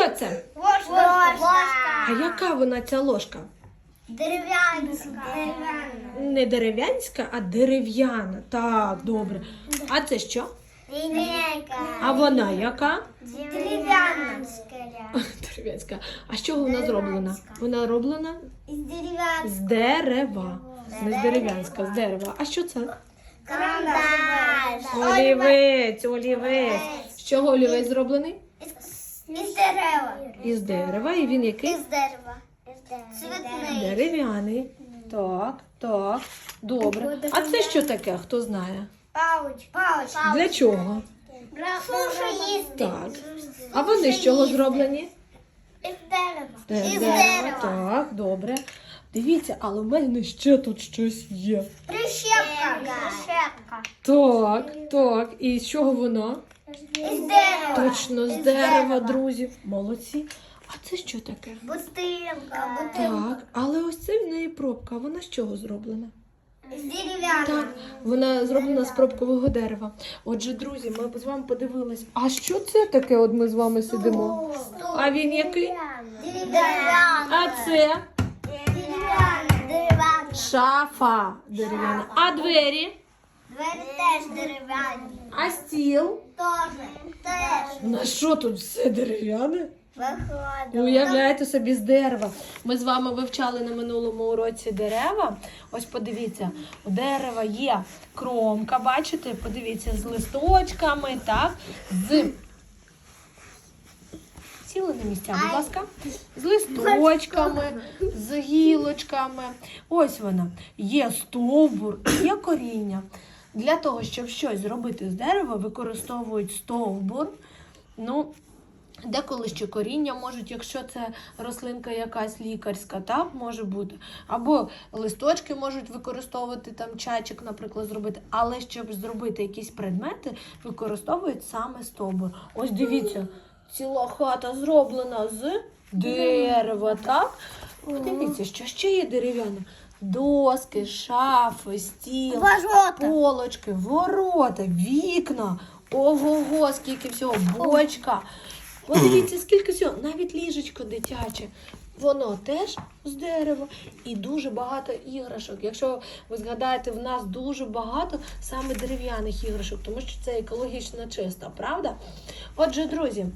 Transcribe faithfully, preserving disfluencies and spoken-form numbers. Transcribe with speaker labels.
Speaker 1: Що це?
Speaker 2: Ложка.
Speaker 1: А яка вона ця ложка?
Speaker 2: Дерев'янська.
Speaker 1: Не дерев'янська, а дерев'яна. Так, добре. А це що?
Speaker 2: Лінійка.
Speaker 1: А вона яка?
Speaker 2: Дерев'янська.
Speaker 1: Дерев'янська. А з чого вона зроблена? Вона роблена
Speaker 2: Із дерев'янська.
Speaker 1: з дерева. Не з дерев'янська, з дерева. А що це?
Speaker 2: Карандаш.
Speaker 1: Олівець, олівець. З чого олівець зроблений?
Speaker 2: Із дерева.
Speaker 1: Із дерева. І він який?
Speaker 2: Із дерева. Цвітний.
Speaker 1: Дерев'яний. Так, так. Добре. А це що таке? Хто знає?
Speaker 2: Пауч. Пауч.
Speaker 1: Для чого?
Speaker 2: Сушу їсти.
Speaker 1: Так. А вони з чого зроблені?
Speaker 2: Із дерева.
Speaker 1: З
Speaker 2: Із
Speaker 1: дерева.
Speaker 2: дерева.
Speaker 1: Так, добре. Дивіться, але в мене ще тут щось є.
Speaker 2: Прищепка. Прищепка.
Speaker 1: Так, так. І з чого воно?
Speaker 2: Із дерева.
Speaker 1: Точно, з дерева, друзі. Молодці. А це що таке?
Speaker 2: Бутилка.
Speaker 1: Так, але ось це в неї пробка. Вона з чого зроблена?
Speaker 2: З дерев'яного.
Speaker 1: Так, вона зроблена з пробкового дерева. Отже, друзі, ми з вами подивились. А що це таке? От ми з вами сидимо. А він який?
Speaker 2: Дерев'яна.
Speaker 1: А це
Speaker 2: Дерев'яна. Дерев'яна.
Speaker 1: шафа дерев'яна. А двері?
Speaker 2: Двері теж дерев'яні.
Speaker 1: А стіл?
Speaker 2: Теж. Теж.
Speaker 1: На що тут все дерев'яне?
Speaker 2: Виходить.
Speaker 1: Уявляєте собі, з дерева. Ми з вами вивчали на минулому уроці дерева. Ось подивіться, у дерева є кромка, бачите? Подивіться, з листочками, так? З... Сіли на місця, будь ласка. З листочками, з гілочками. Ось вона. Є стовбур, є коріння. Для того, щоб щось зробити з дерева, використовують стовбур. Ну, деколи ще коріння можуть, якщо це рослинка якась лікарська, так, може бути. Або листочки можуть використовувати, там чайчик, наприклад, зробити. Але щоб зробити якісь предмети, використовують саме стовбур. Ось дивіться, ціла хата зроблена з дерева, так? Дивіться, що ще є дерев'яне. Доски, шафи, стіл,
Speaker 2: Ворота.
Speaker 1: полочки, ворота, вікна. Ого-го, скільки всього, бочка. Подивіться, скільки всього, навіть ліжечко дитяче. Воно теж з дерева і дуже багато іграшок. Якщо ви згадаєте, в нас дуже багато саме дерев'яних іграшок, тому що це екологічно чисто, правда? Отже, друзі,